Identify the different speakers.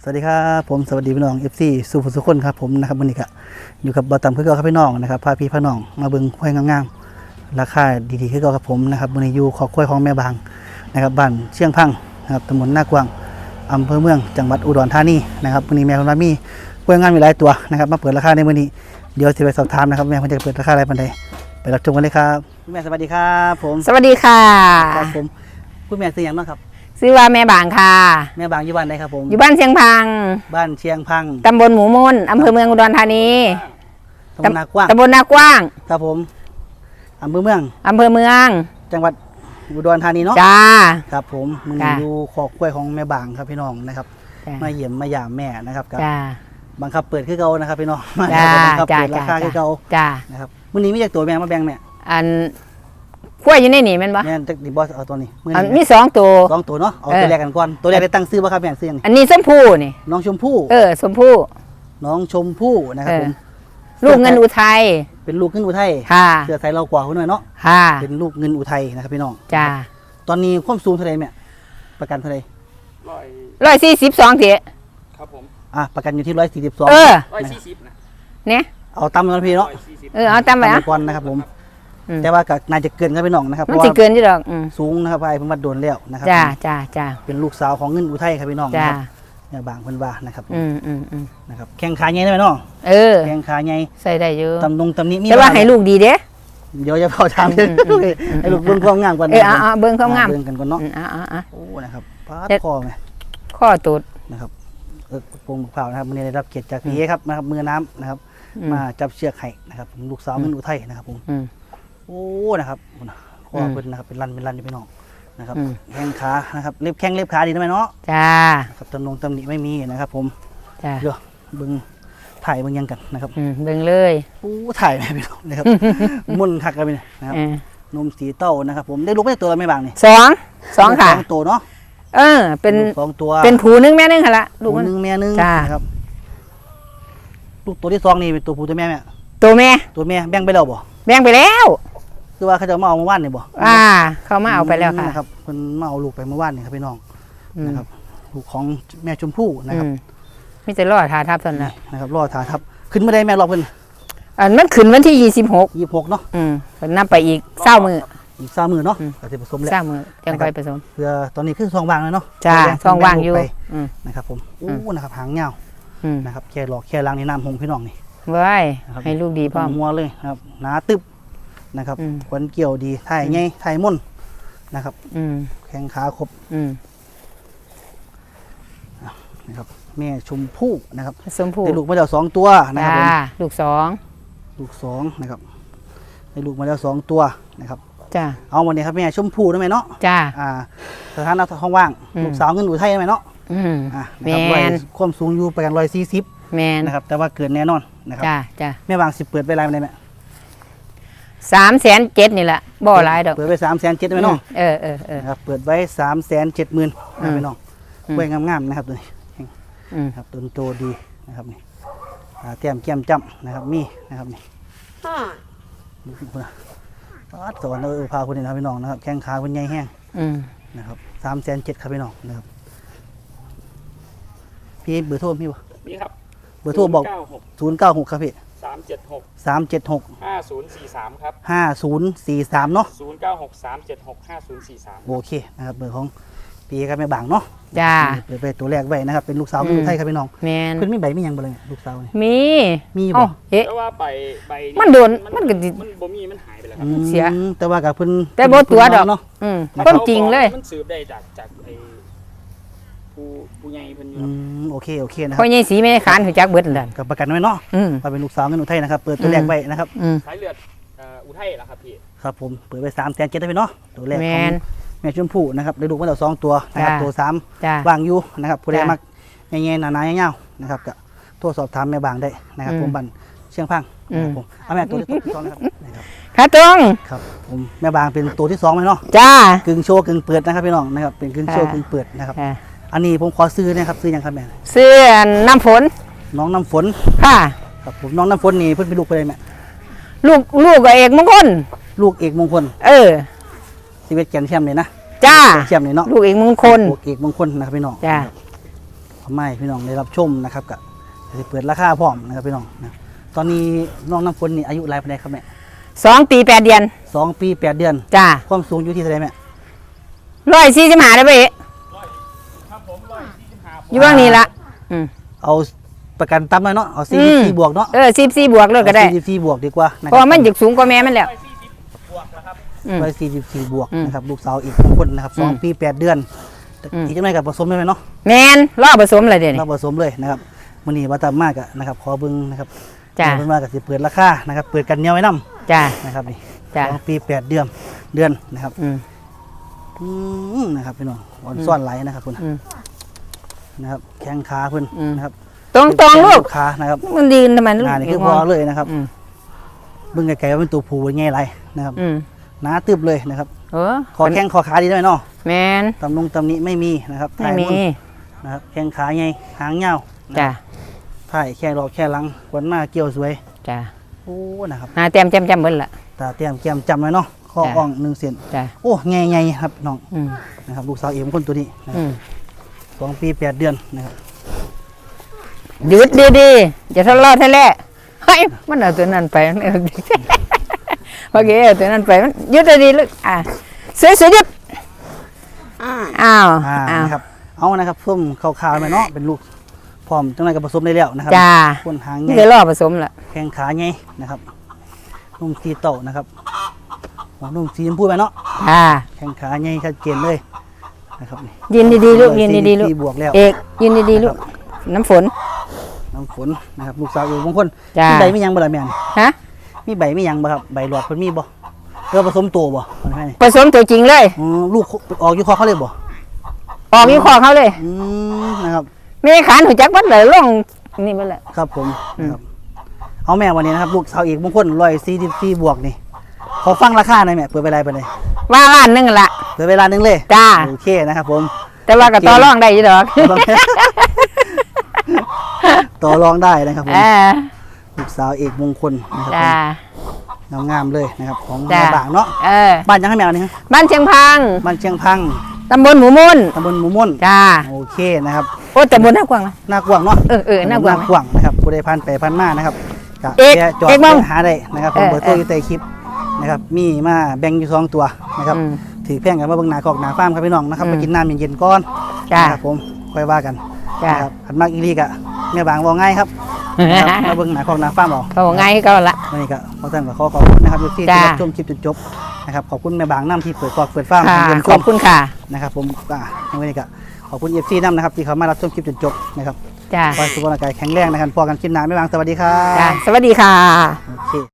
Speaker 1: วัสดีครับผมสวัสดีพี่น้อง FC สุภสุคนครับผมนะครับวันนี้ก็อยู่กับบอต่ำคือเก่าครับพี่น้องนะครับพาพี่พาน้องมาเบิ่งควายงามๆราคาดีๆคือเก่าครับผมนะครับวันนี้อยู่ขอควายของแม่บางนะครับบ้านเชียงพังนะครับตำบลนากวางอำเภอเมืองจังหวัดอุดรธานีนะครับวันนี้แม่คนว่ามีควายงามมีหลายตัวนะครับมาเปิดราคาในวันนี้เดี๋ยวจะไปสอบถามนะครับแม่คนจะเปิดราคาอะไรปันใดไปรับชมกันเลยครับคุณแม่สวัสดีครับผม
Speaker 2: สวัสดีค่ะ
Speaker 1: ครับผมคุณแม่ซื้ออย่างบ้างครับ
Speaker 2: ชื่อว่าแม่บางค่ะ
Speaker 1: แม่บางอยู่บ้านใดครับผม
Speaker 2: อยู่บ้านเชียงพัง
Speaker 1: บ้านเชียงพัง
Speaker 2: ตำบลหมูมนอำเภอเมืองอุดรธานี
Speaker 1: ตำบลนากว้าง
Speaker 2: ตำบลนากว้าง
Speaker 1: ครับผมอำเภอเมือง
Speaker 2: อำเภอเมือง
Speaker 1: จังหวัดอุดรธานีเนาะ
Speaker 2: จ้า
Speaker 1: ครับผมมึง
Speaker 2: จ้ะ
Speaker 1: อยู่ขอกกล้วยของแม่บางครับพี่น้องนะครับ
Speaker 2: จ้า
Speaker 1: มาเยี่ยมมาหยามแม่นะครับกับ
Speaker 2: จ้า
Speaker 1: บังคับเปิดคือเก่านะครับพี่น้องมา
Speaker 2: จ้า
Speaker 1: บังคับ
Speaker 2: จ้า
Speaker 1: เปิดราคาคือเก่า
Speaker 2: จ้า
Speaker 1: นะครับมื้อนี้มีจากตัวแม่มาแบ่งแม่
Speaker 2: อันขั้วอยู่ในนี่แมันบ่
Speaker 1: แม่จากดิบอสเอาตัวนี้มื้อ
Speaker 2: อัน
Speaker 1: นี้
Speaker 2: มี2 ตัว
Speaker 1: สองตัวเนาะเอา
Speaker 2: เออ
Speaker 1: ตัวแรกกันก่อนตัวแรกได้ตั้งชื่อบ่ครับแม่ชื่อหยัง
Speaker 2: อันนี้ส้มผู้นี่
Speaker 1: น้องชมพู่
Speaker 2: ชมพู่
Speaker 1: น้องชมพู่นะครับผม
Speaker 2: ลูกเงินอุทัย
Speaker 1: เป็นลูกเงินอุทัย
Speaker 2: ค่ะ
Speaker 1: เสื้อใส่เรากว่าคนหน่อยเนาะ
Speaker 2: ค่ะ
Speaker 1: เป็นลูกเงินอุทัยนะครับพี่น้อง
Speaker 2: จ้า
Speaker 1: ตอนนี้ความสูงเท่าไหร่แม่ประกันเท่าไหร่
Speaker 2: 142เถอะ
Speaker 3: ครับผม
Speaker 1: ประกันอยู่ที่142
Speaker 3: 140นะ
Speaker 2: เนี่ย
Speaker 1: เอาตามกันพี่เนาะ
Speaker 3: 140
Speaker 2: เอาตามไป
Speaker 1: ตาม
Speaker 2: อ่ะ
Speaker 1: ก่อนนะครับผม
Speaker 2: อืม
Speaker 1: แต่ว่าก็น่าจะเกินครับพี่น้องนะครับ
Speaker 2: มันสิเกินอยู่ดอก
Speaker 1: สูงนะครับไอ้เพิ่นวัดโดนแล้วนะครับ
Speaker 2: จ้า
Speaker 1: ผม
Speaker 2: จ้าจ้า
Speaker 1: เป็นลูกสาวของเงินอุทัยครับพี่น้อง
Speaker 2: จ้า
Speaker 1: นะครับเนี่ยบางเพิ่นว่านะครับผม
Speaker 2: อืม
Speaker 1: นะครับแข้งขาใหญ่ได้ไหมน้อง แข้งขาใหญ่
Speaker 2: ใส่ได้อยู่
Speaker 1: ตำหนิมี
Speaker 2: แต่ว่า
Speaker 1: บ้ง
Speaker 2: ให้ลูกดีเด้
Speaker 1: เดี๋ยวจะพอถาม ให้ลูกเบิ่งความงามก่อน
Speaker 2: เบิ่งความงาม
Speaker 1: เบิ่งกันก่อนเนาะ
Speaker 2: อ่ะ
Speaker 1: โอ้นะครับปาด
Speaker 2: เด็ด
Speaker 1: คอไหม
Speaker 2: ข้อตูด
Speaker 1: นะครับโป่งบักเผานะครับมื้อนี้ได้รับเกียรติจากพี่เอครับนะครับมือน้ำนะครับ มาจับเชือกให้นะครับผมลูกสาวเงินอุทัยนะครับผม
Speaker 2: อืม
Speaker 1: โอ้นะครับคอเพิ่นนะครับเป็นรันอยู่พี่น้องนะครับ
Speaker 2: อืม
Speaker 1: แข้งขานะครับเล็บแข้งเล็บขาดีได้ไหมเนาะ
Speaker 2: จ้า
Speaker 1: ครับตำหนิไม่มีนะครับผม
Speaker 2: จ้า
Speaker 1: เดี๋ยวเบิ่งถ่ายเบิ่งยังกันนะครับ
Speaker 2: เบิ่งเลย
Speaker 1: โอ้ถ่ายไหมพี่น้องนะครับ มุ่นคักกันไปเนี่ยนะครับ
Speaker 2: เออน
Speaker 1: มสีเต้านะครับผมได้ลูกไม่ได้ตัวแล้วไม่บางนี่
Speaker 2: สองค่ะ
Speaker 1: สองตัวเนาะ
Speaker 2: เป็น
Speaker 1: ลูกสองตัว
Speaker 2: เป็นผูนึงแม่นึงค่ะละลู
Speaker 1: ลู
Speaker 2: ก
Speaker 1: ก
Speaker 2: มัน
Speaker 1: หนึงแม่หนึง
Speaker 2: จ้า
Speaker 1: นะครับลูกตัวที่สองนี่เป็นตัวผู้ตัวแม่แม่
Speaker 2: ตัวแม่
Speaker 1: ตัวแม่แบ่งไปแล้วบ่
Speaker 2: แบ่งไปแล้ว
Speaker 1: คือว่าเขาจะมาเอาเมื่อวานนี่บ่
Speaker 2: เขามาเอาไปแล้วค่ะ
Speaker 1: นะครับเพิ่นมาเอาลูกไปเมื่อวานนี่ครับพี่น้อง
Speaker 2: อืม
Speaker 1: นะครับลูกของแม่ชมพู่นะครับ
Speaker 2: มีแต่รอดทาทับตอนนั้น
Speaker 1: นะครับรอถาทับขึ้นมาได้แม่รอบเพิ่น
Speaker 2: อันมันขึ้นวันที่26
Speaker 1: 26เนาะ
Speaker 2: เพิ่นนำไปอีก20มื้อ
Speaker 1: อีก3มื้อเนาะ
Speaker 2: อืม
Speaker 1: ก็สิผสมแล้ว
Speaker 2: 20มื้อจังไปผสม
Speaker 1: เพื่อตอนนี้คือซองวางเลยเนาะ
Speaker 2: จ้า
Speaker 1: แบ่
Speaker 2: ช่องว่างอยู่
Speaker 1: แบ่ลูกไป
Speaker 2: อืม
Speaker 1: นะครับผม
Speaker 2: อื
Speaker 1: โอ้
Speaker 2: ม
Speaker 1: นะครับหางยาว
Speaker 2: อืม
Speaker 1: นะครับแค่หลอกแค่ล้างในน้ำหงพี่น้องนี่
Speaker 2: ไว้
Speaker 1: นะครับ
Speaker 2: ให้ลูกดีพร้อม
Speaker 1: หัวเลยนะครับหนาตึบนะครับ
Speaker 2: อืม
Speaker 1: ขวัญเกี่ยวดีถ่ายใหญ่ถ่ายม่นนะครับ
Speaker 2: อืม
Speaker 1: แข้งขาครบ
Speaker 2: อืม
Speaker 1: นะครับแม่ชมพู่นะครับ
Speaker 2: ผสมผู
Speaker 1: ได้ลูกมาแล้ว2ตัวนะครับผม
Speaker 2: ลูก
Speaker 1: ลูก2นะครับได้ลูกมาแล้ว2ตัวนะครับ
Speaker 2: 2จ้า
Speaker 1: เอาวันนี้ครับแม่ชมพู่ได้ไหมเนาะ
Speaker 2: จ้า
Speaker 1: สถานะท้องว่าง
Speaker 2: อืม
Speaker 1: ลูกสาวเงินอุทัยได้ไหมเนาะ
Speaker 2: อืม
Speaker 1: นะ
Speaker 2: แม
Speaker 1: ครับ
Speaker 2: น
Speaker 1: ความสูงอยู่ประกัน140
Speaker 2: แมน
Speaker 1: นะครับแต่ว่าเกินแน่นอนนะครับ
Speaker 2: จ้า
Speaker 1: แม่บางสิเปิดไปไรไม่ได้ไหม
Speaker 2: 307,000นี่แหละบ่หลายดอก
Speaker 1: เปิดไป370,000ได้ไหมน้อง
Speaker 2: เออ
Speaker 1: นะครับเปิดไว้370,000นะพี่น้อง
Speaker 2: อืม
Speaker 1: กล้วยงามๆนะครับตัวนี้
Speaker 2: อืม
Speaker 1: ครับต้นโตดีนะครับนี่แต้มแก้มจ้ำนะครับมีนะครับนี่ดูสิคุณนะปัดสวรรค์พาคุณนี่นะครับพี่น้องนะครับแข้งขาคุณใหญ่แห้ง
Speaker 2: อืม
Speaker 1: นะครับ370,000ครับพี่น้องนะครับพี่เบอร์โทรพี่วะ
Speaker 3: นี่ครับ
Speaker 1: เบอร์โทรบอก 096ครับพี่
Speaker 3: 376
Speaker 1: 376
Speaker 3: 5043 ครับ
Speaker 1: 5043เนาะ
Speaker 3: 096 376 5043
Speaker 1: โอเคนะครับเบอร์ของพี่ครับแม่บางเนาะ
Speaker 2: จ้า
Speaker 1: เปิดไปตัวแรกไว้นะครับเป็นลูกสาวเป็นลูกไทยครับพี่น้อง
Speaker 2: แมน
Speaker 1: เพิ่นมีใบมีหยังบ่เลยเนี่ยลูกสาวนี่
Speaker 2: มี
Speaker 1: มีบ่
Speaker 2: เอ้าเอ๊ะ
Speaker 3: แต่ว่าใบ
Speaker 2: มันโดนมันก็สิ
Speaker 3: มันบ่มีมันหายไปแล้วครั
Speaker 1: อื
Speaker 3: บ
Speaker 1: ม
Speaker 2: เสีย
Speaker 1: แต่ว่ากับเพิ่น
Speaker 2: แต่บ่ตัวดอก
Speaker 1: เนาะ
Speaker 2: คนจริงเลย
Speaker 3: มันสืบได้จากไอ้ผู้ใหญ่เพิ่นอยู่
Speaker 1: อื
Speaker 3: ครับ
Speaker 1: มโอเคนะค
Speaker 2: พ่
Speaker 1: รั
Speaker 2: อบ ใหญ่สีแม่ขานหูจักเบิดนั่น
Speaker 1: กับประกันไว้เนาะ
Speaker 2: อืม
Speaker 1: ว่าเป็นลูกสาวเงินอุทัยนะครับเปิดตัวแรกไว้นะครับ
Speaker 3: สายเลือดอุทัยเหรอครับพี่
Speaker 1: ครับผมเปิดไป370,000ได้พี่เนาะตัวแรก
Speaker 2: แม
Speaker 1: ของ
Speaker 2: น
Speaker 1: แม่ชมพู่นะครับได้ลูกมาแล้ว2ตัวนะครับ
Speaker 2: จ้า
Speaker 1: ตัว3
Speaker 2: จ้า
Speaker 1: วางอยู่นะครับผู้ใด
Speaker 2: จ้า
Speaker 1: มักแง่ๆหนาๆยาวๆนะครับก็โทรสอบถามแม่บางได้นะครับ
Speaker 2: อืม
Speaker 1: ผมบันเชียงพังนะครับ
Speaker 2: อืม
Speaker 1: ผมเอาแม่ตัวที่2นะครับนะครับ
Speaker 2: ขาตรง
Speaker 1: ครับผมแม่บางเป็นตัวที่2ไหมเนาะ
Speaker 2: จ้าก
Speaker 1: ึ่งโชว์กึ่งเปิดนะครับพี่น้องนะครับเป็นกึ่งโชว์กึ่งเปิดนะครับ
Speaker 2: อ่า
Speaker 1: อันนี้ผมขอซื้อนะครับซื้อยังครับแม่
Speaker 2: เสื้อน้ำฝน
Speaker 1: น้องน้ำฝน
Speaker 2: ค่ะ
Speaker 1: ครับผมน้องน้ำฝนนี่เพิ่นเป็นลูกไปเลยแม่
Speaker 2: ลูกกับเอกมงคล
Speaker 1: ลูกเอกมงคล ชีวิตแกนแชมป์เลยนะ
Speaker 2: จ้า
Speaker 1: แชมป์เลยเนาะ
Speaker 2: ลูกเอกมงคล
Speaker 1: ลูกเอกมงคลนะครับพี่น้อง
Speaker 2: จ้า
Speaker 1: เขาไม่พี่น้องได้รับชมนะครับก็จะเปิดราคาพร้อมนะครับพี่น้องนะตอนนี้น้องน้ำฝนนี่อายุรายปานใดครับแม่
Speaker 2: 2 ปี 8 เดือน
Speaker 1: 2 ปี 8 เดือน
Speaker 2: จ้า
Speaker 1: ความสูงอยู่ที่เท่าไหร่แม่
Speaker 2: 145ได้บ่เอ๊ะ
Speaker 3: ครับผม145
Speaker 2: อยู่ว่างนี้ละอืม
Speaker 1: เอาประกันตั้มหน่อยเนาะเอา
Speaker 2: อืม
Speaker 1: 44บวกเนาะ
Speaker 2: 14บวกเลยก็ได้
Speaker 1: 44บวกดีกว่านะ
Speaker 2: เพราะว่ามันจะสูงกว่าแม่มันแล้ว
Speaker 3: บวกนะครับ
Speaker 2: อืม
Speaker 1: 44บวก
Speaker 2: อืม
Speaker 1: นะครับลูกสาวอีกคนนะครับ
Speaker 2: อืม
Speaker 1: 2 ปี 8 เดือน
Speaker 2: อืม
Speaker 1: อีกจังไดกับผสมได้ไหมเนาะ
Speaker 2: แมนรอผสมเลยเดี๋ยวนี้
Speaker 1: เราผสมเลยนะครับมื้อนี้ว่าตามมากอะนะครับขอเบิ่งนะครับ
Speaker 2: จ้า
Speaker 1: เพิ่นว่าก็สิเปิดราคานะครับเปิดกันเหนียวไว้นํ
Speaker 2: จ้า
Speaker 1: นะครับนี่
Speaker 2: จ้า
Speaker 1: 2 ปี 8 เดือนนะครับ
Speaker 2: อืม
Speaker 1: นะครับพี่น้องอ่อนซ่อนไหลนะครับคุณ
Speaker 2: อืม
Speaker 1: นะครับแข้งขาเพิ่น
Speaker 2: อืม
Speaker 1: นะครับ
Speaker 2: ตรงๆลูก
Speaker 1: ขานะครับ
Speaker 2: มันดีทำไมลูก
Speaker 1: หน้านี่คือพอเลยนะครับ
Speaker 2: อืม
Speaker 1: เบิ่งไกลๆว่าเป็นตัวผู้ง่ายไรนะครับ
Speaker 2: อืม
Speaker 1: หนาตึบเลยนะครับ
Speaker 2: เออ
Speaker 1: คอแข้งคอขาดีด้วยเนาะ
Speaker 2: แมน
Speaker 1: ตำหนิไม่มีนะครับ
Speaker 2: ไม่มี
Speaker 1: ถ่ายนนะครับแข้งขาใหญ่หางยาว
Speaker 2: จ้า
Speaker 1: ถ่ายแค่รอบแค่หลังขวัญหน้าเกี่ยวสวย
Speaker 2: จ้า
Speaker 1: โอ้นะครับ
Speaker 2: หาเต็มจำเบิ้ลละ
Speaker 1: ตาเตรียมแก้มจำไว้เนาะข้อ
Speaker 2: จ้ะ
Speaker 1: อ่อง1 เซน
Speaker 2: จ้า
Speaker 1: โอ้ใหญ่ๆครับน้อง
Speaker 2: อืม
Speaker 1: นะครับลูกสาวเอ็มคนตัวนี้นะค
Speaker 2: อื
Speaker 1: รับ
Speaker 2: ม
Speaker 1: 2 ปี 8 เดือนนะครับ
Speaker 2: หยุดดีๆอย่าทะเลาะทะเลเฮ้ยมันเอาตัวนั้นไปมันเอาโอเคเอาตัวนั้นไปมันหยุดดีๆลูกอ่ะสวยๆหยุดอ้าว อ้าว
Speaker 1: นะครับเอานะครับส้มขาวๆไปเนาะเป็นลูกพร้อมจังไรกับผสมได้แล้วนะครับ
Speaker 2: จ้า
Speaker 1: คนหาง
Speaker 2: นี่
Speaker 1: ใหญ่
Speaker 2: เลยรอผสมละ
Speaker 1: แข้งขาใหญ่นะครับนุ่มสีเต่านะครับหัวนุ่มสีชมพูไปเนาะ
Speaker 2: อ่า
Speaker 1: แข้งขาใหญ่ชัดเจนเลยนะครับนี่
Speaker 2: ยืนดีๆลูกยืนดีๆลูก
Speaker 1: บวกแล้ว
Speaker 2: เอกยืนดีๆลูกน้ำฝน
Speaker 1: น้ำฝนนะครับลูกสาวอยู่บางคน
Speaker 2: จ้า
Speaker 1: มีใบไม่ยังบ่ล่ะแม่น
Speaker 2: ฮะ
Speaker 1: มีใบไม่ยังบ่ครับใบหลอดเพิ่นมีบ่เรือผสมตัวบ่มันให้นี่
Speaker 2: ผสมตัวจริงเลย
Speaker 1: ลูกออกอยู่คอเขาเลยบ่
Speaker 2: ออกอยู่คอเขาเลย
Speaker 1: นะครับ
Speaker 2: ไม่ได้ขานหัวจักบัดเลยล่องนี่มันแหละ
Speaker 1: ครับผมนะครับเอาแม่วันนี้นะครับลูกสาวอีกบางคน144บวกนี่ขอฟังราคาหน่อยแม่เปิดไปไรไปเลย
Speaker 2: ว่าล้านหนึงละ
Speaker 1: เปิดเวลานึงเลย
Speaker 2: จ้า
Speaker 1: โอเคนะครับผม
Speaker 2: แต่ว่ากับต่อรองได้อยี่ดอก
Speaker 1: ต่อรองได้นะครับผม
Speaker 2: อ่า
Speaker 1: ลูกสาวเอกมงคลนะครับ
Speaker 2: จ้า
Speaker 1: ผมงามๆเลยนะครับของ
Speaker 2: จ้า
Speaker 1: แม่บางเนาะ
Speaker 2: เออ
Speaker 1: บ้านยังให้แมวนี่ครับ
Speaker 2: บ้านเชียงพัง
Speaker 1: บ้านเชียงพัง
Speaker 2: ตำบลหมูมุน
Speaker 1: ตำบลหมูม่วน
Speaker 2: จ้า
Speaker 1: โอเคนะครับ
Speaker 2: โอ้ตำบลน่ากว้างนะ
Speaker 1: หน้ากว้างเนาะ
Speaker 2: เออน่ากว้างไหม
Speaker 1: หน้ากว้างนะครับผู้ใดผ่านไปผ่านมานะครับก็
Speaker 2: เอก
Speaker 1: แวะจอด
Speaker 2: เอกบ้าง
Speaker 1: ไปหาได้นะครับผม
Speaker 2: เออ
Speaker 1: เบอร์โทรอยู่ใต้คลิปนะครับมีมาแบ่งอยู่2ตัวนะครับ
Speaker 2: อืม
Speaker 1: ถือแพ่งกันมาเบิ่งหน้าคอกหน้าฟาร์มครับพี่น้องนะครับ
Speaker 2: อืม
Speaker 1: ไปกินน้ำเย็นๆก่อน
Speaker 2: จ้า
Speaker 1: นะครับผมค่อยว่ากัน
Speaker 2: จ้า
Speaker 1: นะครับอันมากอีลีกะแม่บางบอกง่ายครับนะครับมาเบิ่งหน้าคอกหน้าฟาร์มเอา
Speaker 2: เขาบอกไงก็ละ
Speaker 1: วันนี้ก็ขอท่านก็ขอบคุณนะครับที่
Speaker 2: จ้า
Speaker 1: รับชมคลิปจนจบนะครับขอบคุณแม่บางน้ำที่เปิดกอกเปิดฟาร์ม
Speaker 2: ค่ะ
Speaker 1: ให้เยี่ยมช
Speaker 2: ขอ
Speaker 1: ม
Speaker 2: บคุณค่ะ
Speaker 1: นะครับผมวันนี้ก็ขอบคุณเอฟซีน้ำนะครับที่เขามารับชมคลิปจนจบนะครับ
Speaker 2: จ้า
Speaker 1: ขอให้สุขภาพร่างกายแข็งแรงนะครับพอกันคลิปหน้าแม่บางสวัสดีครับ
Speaker 2: จ้าสวัสดีค่ะ
Speaker 1: โอ